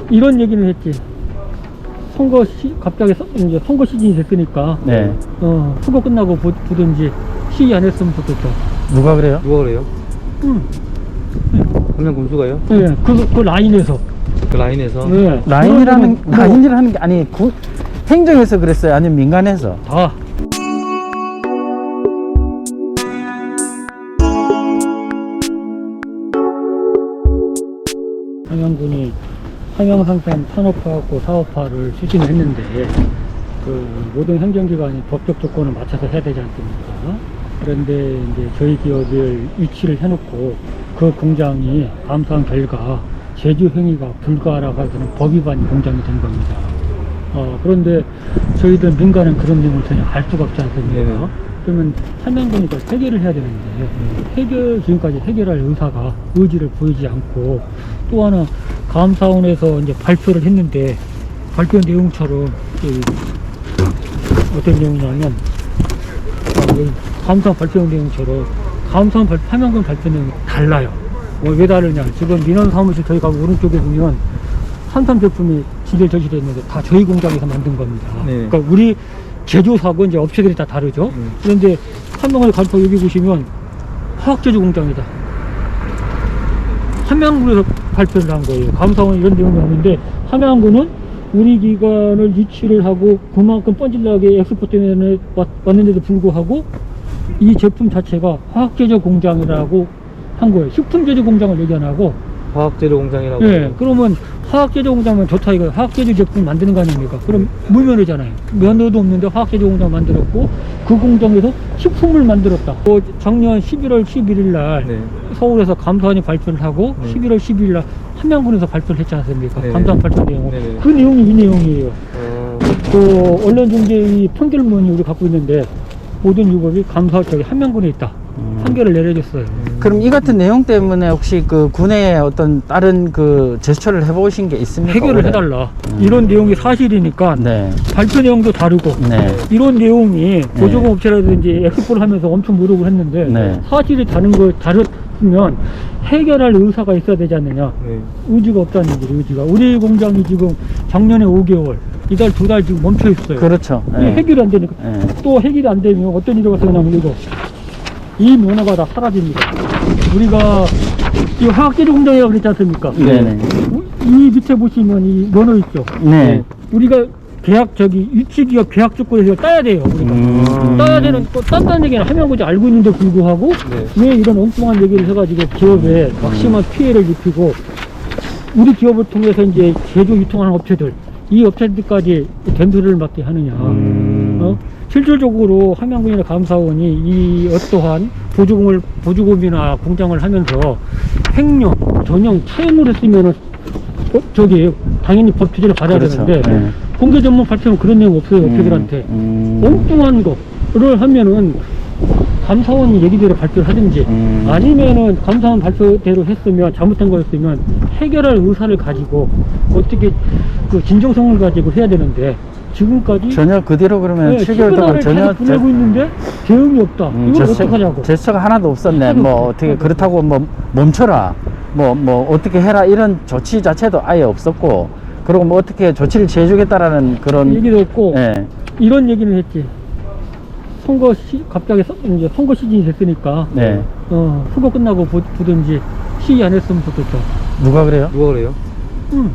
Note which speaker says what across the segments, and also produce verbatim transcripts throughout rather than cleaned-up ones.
Speaker 1: 이런 얘기는 했지. 선거 시, 갑자기 서, 이제 선거 시즌이 됐으니까.
Speaker 2: 네.
Speaker 1: 어, 선거 끝나고 보, 보든지 시위 안 했으면 좋겠다.
Speaker 2: 누가 그래요?
Speaker 3: 누가 그래요?
Speaker 1: 응.
Speaker 3: 한명 군수가요?
Speaker 1: 네, 그, 그 라인에서.
Speaker 3: 그 라인에서?
Speaker 1: 네.
Speaker 2: 라인이라는,
Speaker 1: 뭐,
Speaker 2: 라인이라는 게, 아니, 구, 행정에서 그랬어요? 아니면 민간에서?
Speaker 1: 다. 함양군이 함양상평 산업화하고 사업화를 추진을 했는데 그 모든 행정기관이 법적 조건을 맞춰서 해야 되지 않습니까? 그런데 이제 저희 기업을 위치를 해놓고 그 공장이 감사한 결과 제주 행위가 불가하라고 하는 법 위반 공장이 된 겁니다. 어, 그런데 저희들 민간은 그런 내용을 전혀 알 수가 없지 않습니까?
Speaker 3: 네네.
Speaker 1: 그러면 함양군이 그걸 해결을 해야 되는데 해결 지금까지 해결할 의사가 의지를 보이지 않고 또 하나 감사원에서 이제 발표를 했는데 발표 내용처럼 이 어떤 내용이냐면 어, 여기 감사원 발표 내용처럼 감사원 발, 함양군 발표 내용이 달라요. 뭐 왜 다르냐? 지금 민원 사무실 저희가 오른쪽에 보면 산삼 제품이 지대 저지되어 있는데 다 저희 공장에서 만든 겁니다.
Speaker 3: 네.
Speaker 1: 그러니까 우리 제조사고 이제 업체들이 다 다르죠.
Speaker 3: 음.
Speaker 1: 그런데 함양을 가서 여기 보시면 화학제조 공장이다. 함양군에서 발표를 한 거예요. 감사원 이런 내용이 없는데 함양군은 우리 기관을 유치를 하고 그만큼 뻔질나게 엑스포 때문에 왔, 왔는데도 불구하고 이 제품 자체가 화학제조 공장이라고 한 거예요. 식품제조 공장을 얘기 안 하고.
Speaker 3: 화학재료 공장이라고.
Speaker 1: 예, 그러면 화학제조 공장은 좋다 이거 화학제조 제품 만드는 거 아닙니까? 그럼 무면허잖아요. 면허도 없는데 화학제조 공장 만들었고 그 공장에서 식품을 만들었다. 어, 작년 십일월 십일일 날
Speaker 3: 네.
Speaker 1: 서울에서 감사원이 발표를 하고
Speaker 3: 네.
Speaker 1: 십일월 십이일 날 함양군에서 발표를 했지 않습니까?
Speaker 3: 네.
Speaker 1: 감사원 발표 내용.
Speaker 3: 네.
Speaker 1: 그 내용이 이 내용이에요.
Speaker 3: 어,
Speaker 1: 그 언론중재위 판결문이 우리 갖고 있는데 모든 유법이 감사 저기 함양군에 있다.
Speaker 2: 음.
Speaker 1: 판결을 내려줬어요.
Speaker 2: 그럼 이 같은 내용 때문에 혹시 그 군에 어떤 다른 그 제스처를 해보신 게 있습니까?
Speaker 1: 해결을
Speaker 2: 올해?
Speaker 1: 해달라.
Speaker 2: 음.
Speaker 1: 이런 내용이 사실이니까
Speaker 2: 네.
Speaker 1: 발표 내용도 다르고
Speaker 2: 네.
Speaker 1: 이런 내용이 보조금 업체라든지 엑스포를 하면서 엄청 노력을 했는데
Speaker 2: 네.
Speaker 1: 사실이 다른 거 다르면 해결할 의사가 있어야 되지 않느냐.
Speaker 3: 네.
Speaker 1: 의지가 없다는 얘기죠. 의지가 우리 공장이 지금 작년에 오 개월 이달 두 달 지금 멈춰 있어요.
Speaker 2: 그렇죠.
Speaker 1: 이게
Speaker 2: 네.
Speaker 1: 해결이 안 되니까
Speaker 2: 네.
Speaker 1: 또 해결이 안 되면 어떤 일이 발생하냐면 이거 이 면허가 다 사라집니다. 우리가 이 화학제조 공장이라고 그랬지 않습니까?
Speaker 2: 네네.
Speaker 1: 이 밑에 보시면 이 면허 있죠.
Speaker 2: 네.
Speaker 1: 우리가 계약 저기 유치기업 계약 조건에서 따야 돼요. 우리가
Speaker 2: 음.
Speaker 1: 따야 되는 또 딴다는 얘기는 함양군이 알고 있는데 불구하고
Speaker 3: 네.
Speaker 1: 왜 이런 엉뚱한 얘기를 해가지고 기업에 막심한 피해를 입히고 우리 기업을 통해서 이제 제조 유통하는 업체들 이 업체들까지 된소리를 맡게 하느냐.
Speaker 2: 음.
Speaker 1: 어? 실질적으로 함양군이나 감사원이 이 어떠한 보조금을 보조금이나 공장을 하면서 횡령, 전형, 차용을 했으면은 어, 저기 당연히 법 규제를 받아야
Speaker 2: 그렇죠.
Speaker 1: 되는데
Speaker 2: 네.
Speaker 1: 공개 전문 발표는 그런 내용 없어요. 업체들한테
Speaker 2: 음.
Speaker 1: 엉뚱한 거를 하면은 감사원이 얘기대로 발표를 하든지
Speaker 2: 음.
Speaker 1: 아니면은 감사원 발표대로 했으면 잘못된 거였으면 해결할 의사를 가지고 어떻게 그 진정성을 가지고 해야 되는데 지금까지
Speaker 2: 전혀 그대로 그러면
Speaker 1: 네,
Speaker 2: 칠 개월 동안
Speaker 1: 전혀
Speaker 2: 전혀
Speaker 1: 보내고 있는데 대응이 없다.
Speaker 2: 음,
Speaker 1: 이걸
Speaker 2: 제스처,
Speaker 1: 어떡하냐고.
Speaker 2: 제스처가 하나도 없었네.
Speaker 1: 하나도
Speaker 2: 뭐
Speaker 1: 없어.
Speaker 2: 어떻게
Speaker 1: 하나도
Speaker 2: 그렇다고 뭐 멈춰라. 뭐 뭐 어떻게 해라 이런 조치 자체도 아예 없었고, 그리고 뭐 어떻게 조치를 취해주겠다라는 그런
Speaker 1: 얘기도 없고
Speaker 2: 예.
Speaker 1: 이런 얘기는 했지. 선거 시 갑자기 서, 이제 선거 시즌이 됐으니까
Speaker 2: 네.
Speaker 1: 어 선거 끝나고 보, 보든지 시위 안 했으면 좋겠다.
Speaker 2: 누가 그래요?
Speaker 3: 누가 그래요?
Speaker 1: 응.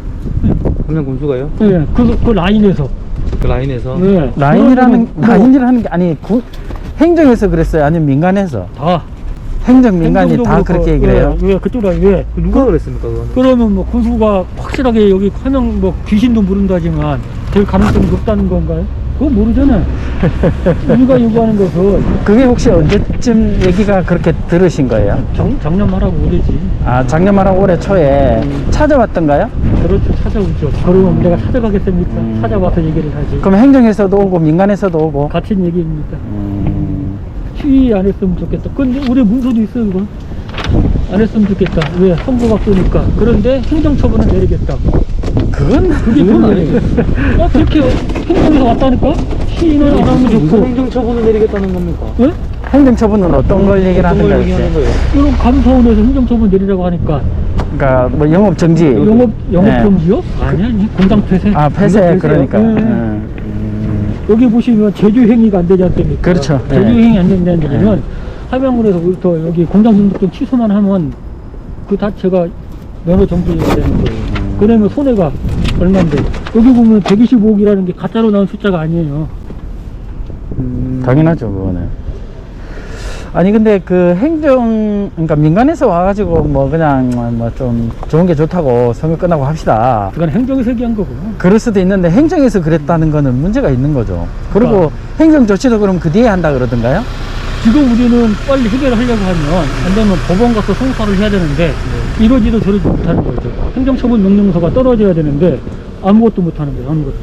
Speaker 3: 한명 군수가요?
Speaker 1: 네, 그, 그 라인에서.
Speaker 3: 그 라인에서?
Speaker 1: 네.
Speaker 2: 라인이라는
Speaker 1: 그런
Speaker 2: 라인이라는 게 아니 구, 행정에서 그랬어요? 아니면 민간에서?
Speaker 1: 다.
Speaker 2: 행정 민간이
Speaker 1: 행정적으로
Speaker 2: 다 그렇게
Speaker 1: 그,
Speaker 2: 얘기를 해요?
Speaker 1: 왜, 왜 그쪽 라인 왜?
Speaker 3: 누가 그랬습니까, 그거는?
Speaker 1: 그러면 뭐 군수가 확실하게 여기 화명 뭐 귀신도 모른다지만 될 가능성이 높다는 건가요? 그거 모르잖아요. 우리가 요구하는 것은
Speaker 2: 그게 혹시 언제쯤 얘기가 그렇게 들으신 거예요?
Speaker 1: 작, 작년 말하고 오래지.
Speaker 2: 아 작년 말하고 올해 초에 찾아왔던가요?
Speaker 1: 그렇죠. 찾아오죠. 그러면 내가 찾아가겠습니까?
Speaker 2: 음.
Speaker 1: 찾아와서 얘기를 하지.
Speaker 2: 그럼 행정에서도 오고 민간에서도 오고.
Speaker 1: 같은 얘기입니다.
Speaker 2: 음.
Speaker 1: 시위 안 했으면 좋겠다. 근데 우리 문서도 있어요, 이건. 안 했으면 좋겠다. 왜? 선거가 끄니까. 그런데 행정처분은 내리겠다.
Speaker 2: 그건
Speaker 1: 그게 그건 아니에요. 어, 그렇게 행정에서 왔다니까? 시위는 안 하면
Speaker 3: 무슨
Speaker 1: 좋고.
Speaker 3: 행정처분을 내리겠다는 겁니까?
Speaker 1: 예?
Speaker 2: 행정처분은 어떤 걸 얘기를
Speaker 3: 어떤 걸
Speaker 2: 하는가요?
Speaker 3: 얘기하는 거예요?
Speaker 1: 이런 감사원에서 행정처분 내리라고 하니까
Speaker 2: 그러니까 뭐 영업 정지.
Speaker 1: 영업 영업
Speaker 2: 네.
Speaker 1: 정지요? 아니 아니 공장 폐쇄.
Speaker 2: 아, 폐쇄,
Speaker 1: 공장 폐쇄요.
Speaker 2: 그러니까.
Speaker 1: 네.
Speaker 2: 음, 음.
Speaker 1: 여기 보시면 제주 행위가 안 되지 않습니까?
Speaker 2: 그렇죠.
Speaker 1: 제주
Speaker 2: 네.
Speaker 1: 행위 안 된다는 얘기는 함양군에서부터 여기 공장 등록증 취소만 하면 그 자체가 면허 정지가 되는 거예요.
Speaker 2: 음.
Speaker 1: 그러면 손해가 얼마인데 여기 보면 백이십오억이라는 게 가짜로 나온 숫자가 아니에요.
Speaker 3: 음,
Speaker 2: 당연하죠, 그거는. 아니, 근데 그 행정, 그러니까 민간에서 와가지고 뭐 그냥 뭐 좀 좋은 게 좋다고 선거 끝나고 합시다.
Speaker 1: 그건 행정에서 얘기한 거고.
Speaker 2: 그럴 수도 있는데 행정에서 그랬다는 거는 문제가 있는 거죠. 그리고
Speaker 1: 그러니까.
Speaker 2: 행정 조치도 그럼 그 뒤에 한다 그러던가요?
Speaker 1: 지금 우리는 빨리 해결을 하려고 하면 안 되면 법원 가서 송사를 해야 되는데 이러지도 저러지 못하는 거죠. 행정처분 명령서가 떨어져야 되는데 아무것도 못하는 거예요. 아무것도.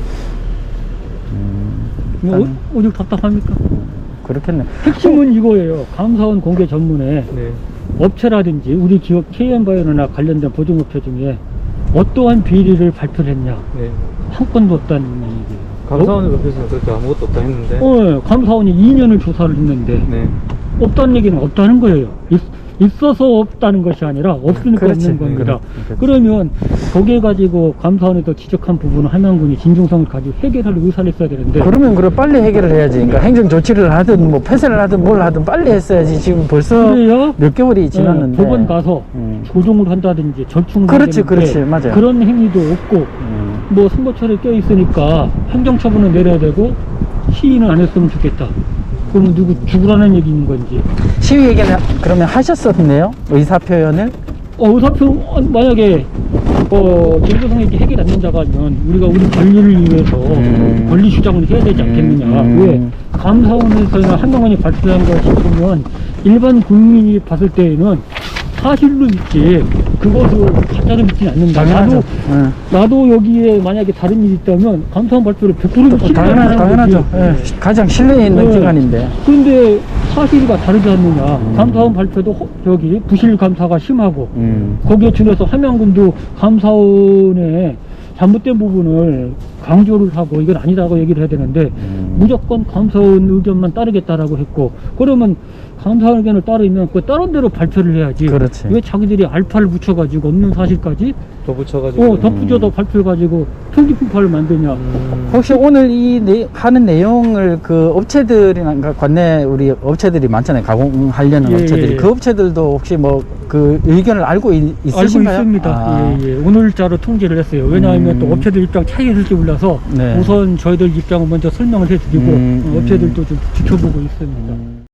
Speaker 2: 음,
Speaker 1: 뭐
Speaker 2: 일단
Speaker 1: 오, 오죽 답답합니까?
Speaker 2: 그렇겠네.
Speaker 1: 핵심은 이거예요. 감사원 공개 전문에
Speaker 3: 네.
Speaker 1: 업체라든지 우리 기업 케이엠바이오나 관련된 보증업체 중에 어떠한 비리를 발표를 했냐.
Speaker 3: 네.
Speaker 1: 한 건도 없다는 얘기예요.
Speaker 3: 감사원을 옆에서는 그렇게 아무것도 없다 했는데.
Speaker 1: 어, 감사원이 이 년을 조사를 했는데
Speaker 3: 네.
Speaker 1: 없다는 얘기는 없다는 거예요. 있, 있어서 없다는 것이 아니라 없으니까
Speaker 2: 그렇지.
Speaker 1: 없는 겁니다.
Speaker 2: 그렇지.
Speaker 1: 그러면 거기에 가지고 감사원에서 지적한 부분은 함양군이 진정성을 가지고 해결할 의사를 있어야 되는데
Speaker 2: 그러면 그걸 빨리 해결을 해야지. 그러니까 행정 조치를 하든 뭐 폐쇄를 하든 뭘 하든 빨리 했어야지. 지금 벌써
Speaker 1: 그래야
Speaker 2: 몇 개월이 지났는데.
Speaker 1: 예, 법원 가서
Speaker 2: 음.
Speaker 1: 조정을 한다든지 절충을
Speaker 2: 그렇지,
Speaker 1: 해야
Speaker 2: 그렇지.
Speaker 1: 되는데
Speaker 2: 맞아요.
Speaker 1: 그런 행위도 없고
Speaker 2: 음.
Speaker 1: 뭐 선거철에 껴 있으니까 행정처분은 내려야 되고 시위는 안 했으면 좋겠다. 그럼 누구 죽으라는 얘기 있는 건지.
Speaker 2: 시위 얘기는 그러면 하셨었네요? 의사 표현을?
Speaker 1: 어, 의사표 어, 만약에 어 진도성에게 해결 안 된다면 우리가 우리 권리를 위해서
Speaker 2: 음.
Speaker 1: 권리 주장을 해야 되지 않겠느냐.
Speaker 2: 음.
Speaker 1: 왜 감사원에서나 한명원이 발표한 것이 보면 일반 국민이 봤을 때에는 사실로 믿지 그것을 가짜로 믿지는 않는다.
Speaker 2: 당연하죠.
Speaker 1: 나도
Speaker 2: 응.
Speaker 1: 나도 여기에 만약에 다른 일이 있다면 감사원 발표를 백 퍼센트
Speaker 2: 어, 당연하죠, 당연하죠. 예, 가장 신뢰 있는
Speaker 1: 네.
Speaker 2: 기관인데.
Speaker 1: 그런데 사실과 다르지 않느냐.
Speaker 2: 음.
Speaker 1: 감사원 발표도 허- 저기 부실 감사가 심하고
Speaker 2: 음.
Speaker 1: 거기에 준해서 함양군도 감사원의 잘못된 부분을 강조를 하고 이건 아니다고 얘기를 해야 되는데
Speaker 2: 음.
Speaker 1: 무조건 감사원 의견만 따르겠다라고 했고 그러면 감사원 의견을 따르면 그 다른 대로 발표를 해야지.
Speaker 2: 그렇지.
Speaker 1: 왜 자기들이 알파를 붙여가지고 없는 사실까지
Speaker 3: 더 붙여가지고.
Speaker 1: 어 덧붙여서 발표해가지고 통지품파를 만드냐.
Speaker 3: 음,
Speaker 2: 혹시 오늘 이 내, 하는 내용을 그 업체들이나 그러니까 관내 우리 업체들이 많잖아요. 가공하려는
Speaker 1: 예,
Speaker 2: 업체들이.
Speaker 1: 예.
Speaker 2: 그 업체들도 혹시 뭐 그 의견을 알고 있,
Speaker 1: 알고
Speaker 2: 있으신가요?
Speaker 1: 있습니다.
Speaker 2: 아.
Speaker 1: 예, 예. 오늘자로 통지를 했어요. 왜냐하면
Speaker 2: 음.
Speaker 1: 또 업체들 입장 차이가 있을지 몰라서
Speaker 2: 네.
Speaker 1: 우선 저희들 입장을 먼저 설명을 해드리고
Speaker 2: 음,
Speaker 1: 어, 업체들도 좀 지켜보고 있습니다.
Speaker 2: 음.